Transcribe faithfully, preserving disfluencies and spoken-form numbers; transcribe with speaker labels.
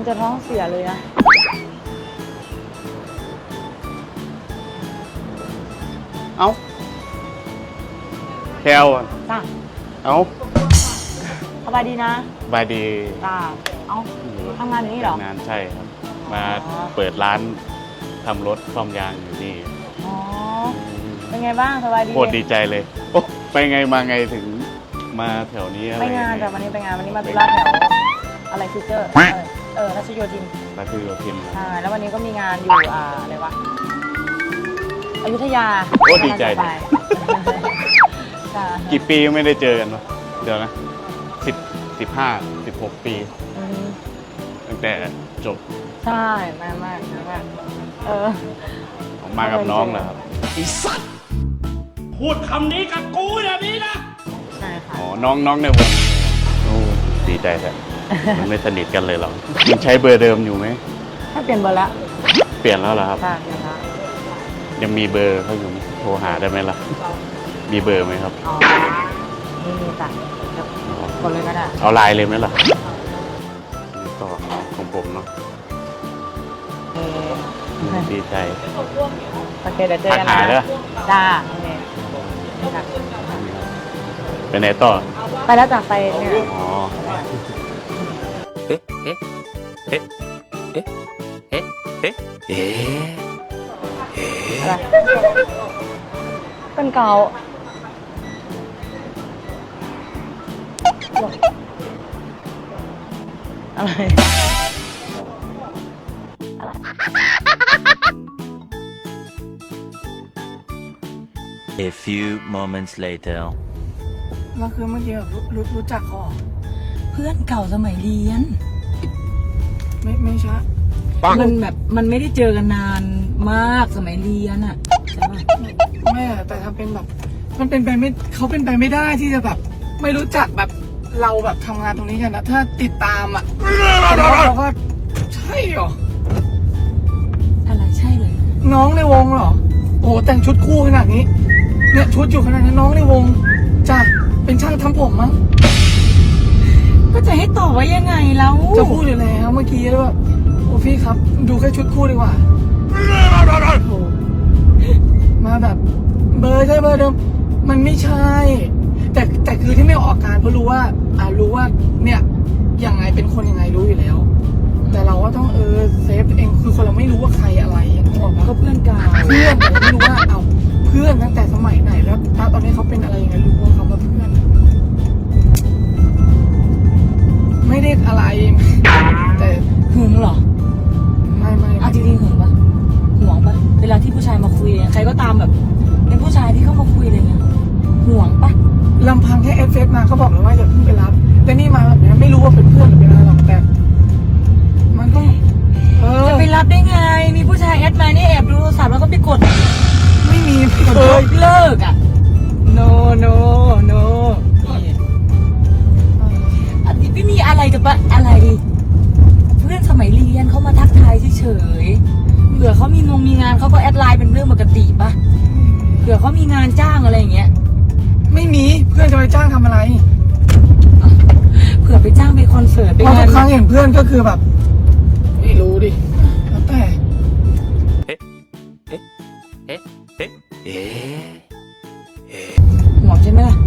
Speaker 1: จะท้องเสียเลยนะ
Speaker 2: เอ้าแคลอ่ะ
Speaker 1: จ้า
Speaker 2: เอ้า
Speaker 1: สบายดีนะ
Speaker 2: บายดี
Speaker 1: จ้าเอ้าทำงานอยู่นี่เหรอ
Speaker 2: ทำงานใช่ครับมาเปิดร้านทำรถซ่อมยางอยู่นี่
Speaker 1: อ๋อเป็นไงบ้างสบายดี
Speaker 2: โคตรดีใจเลยโอ้ไปไงมาไงถึงมาแถวนี้อะไร
Speaker 1: ไปงานแต่วันนี้ไปงานวันนี้มาตุลาแถวอะไรฟิวเจอร์เออรัชโยธิน
Speaker 2: รัชโยธิน
Speaker 1: ใช่แล้ววันนี้ก็มีงานอยู่อ่าอะไรวะอยุธยา
Speaker 2: โอ้ดีใจกี่ปีไม่ได้เจอกันวะเดี๋ยวนะสิบสิบห้าสิบหกปีตั้งแต่จบ
Speaker 1: ใช่มากมากมากเออ
Speaker 2: ผมมากับน้องเหรอครับ
Speaker 3: ไอ้สัตว์พูดคำนี้กับกูอย่างนี้นะ
Speaker 1: ใช่ค่ะ
Speaker 2: อ๋อน้องน้องในวงโอ้ดีใจแท้มันไม่สนิทกันเลยหรอยังใช้เบอร์เดิมอยู่ไหม
Speaker 1: ถ้าเปลี่ยนเบอร์ละ
Speaker 2: เปลี่ยนแล้วเหรอครับ
Speaker 1: ใช่เปลี่ยนแล้ว
Speaker 2: ยังมีเบอร์เขาอยู่โทรหาได้ไหมล่ะมีเบอร์ไหมครับ
Speaker 1: อ๋อนี่จ้ะกดเลยก็ได้
Speaker 2: เอาไลน์เลยไหมล่ะนี่ต่อของผมเนาะดีใจ
Speaker 1: โอเคเดี๋ยวเจอกัน
Speaker 2: นะ
Speaker 1: จ้าโอเค
Speaker 2: ไปไหนต่อ
Speaker 1: ไปแล้วจากไปเนี่ย
Speaker 2: อ๋อ
Speaker 3: เอ๊ะเอ๊ะเอ๊ะเอ๊ะเอ๊ะเอ๊ะเอ๊ะ
Speaker 1: อะไรเป็นเกาอะไรอะไร
Speaker 4: A few moments later
Speaker 5: ก็คือเมื่อกี้แบบรู้รู้จักเขา
Speaker 1: เพื่อนเก่าสมัยเรียน
Speaker 5: ไม่ไม่ใช่
Speaker 1: มันแบบมันไม่ได้เจอกันนานมากสมัยเรียนอะใช่ไหม
Speaker 5: ไม่แต่ทำเป็นแบบมันเป็นไปไม่เขาเป็นไปไม่ได้ที่จะแบบไม่รู้จักแบบเราแบบทำงานตรงนี้กันนะถ้าติดตามอ่ะเราก็ใช่เหรอ
Speaker 1: อะไรใช่เลย
Speaker 5: น้องในวงเหรอโอ้แต่งชุดคู่ขนาดนี้เนี่ยชุดอยู่ขนาดนั้นน้องในวงจ้ะเป็นช่างทำผมมั้ง
Speaker 1: ก็จะให้ตอบว่ายังไงแล้ว
Speaker 5: จะพูดอยู่แล้วเมื่อกี้แล้วแบบโอ้พี่ครับดูแค่ชุดคู่ดีกว่าโอ้มาแบบเบอร์ใช่เบอร์เดิมมันไม่ใช่แต่แต่คือที่ไม่ออกการเพราะรู้ว่าอ่ารู้ว่าเนี่ยยังไงเป็นคนยังไงรู้อยู่แล้วแต่เราก็ต้องเออเซฟเองคือคนเราไม่รู้ว่าใครอะไรนึกออกปะ
Speaker 1: ก็เพื่อนกัน
Speaker 5: เพื่อนแต่เราไม่รู้ว่าเอาเพื่อนตั้งแต่สมัยไหนแล้วตอนนี้เขาเป็นอะไรยังไงรู้ว่าเขาเป็นเพื่อนไม่ได้อะไรแต่
Speaker 1: หึงเหรอ
Speaker 5: ไม่ไม่
Speaker 1: อ่ะจริงๆหึงปะห่วงปะเวลาที่ผู้ชายมาคุยใครก็ตามแบบเป็นผู้ชายที่เข้ามาคุยอะไรเงี้ยห่วงปะ
Speaker 5: ลำพังแค่เอฟเฟกมาก็บอกแล้วว่าอย่าเพิ่งไปรับแต่นี่มาแบบนี้ไม่รู้ว่าเป็นเพื่อนหรือเป็นอะไรหรอกแต่มันต้อง
Speaker 1: จะไปรับได้ไงมีผู้ชายแอดมานี่แอบดูโทรศัพท์แล้วก็ไปกด
Speaker 5: ไม่มี
Speaker 1: เลิกเลิกอ่ะ no no no อันนี้ไม่มีอะไรกับอะไรเพื่อนสมัยเรียนเขามาทักทายเฉยๆเผื่อเขามีงงมีงานเขาก็แอดไลน์เป็นเรื่องปกติปะเผื่อเขามีงานจ้างอะไรอย่างเงี้ย
Speaker 5: ไม่มีเพื่อนจะไปจ้างทำอะไร
Speaker 1: เผื่อไปจ้างไปคอนเสิร์ตไป
Speaker 5: งานทุกครั้งเห็นเพื่อนก็คือแบบไม่รู้ดิแล้วแต่
Speaker 3: เอ๊ะเอ๊ะเอ๊ะเอ๊ะเอ๊ะ
Speaker 1: ห่วงใช่ไหมล่ะ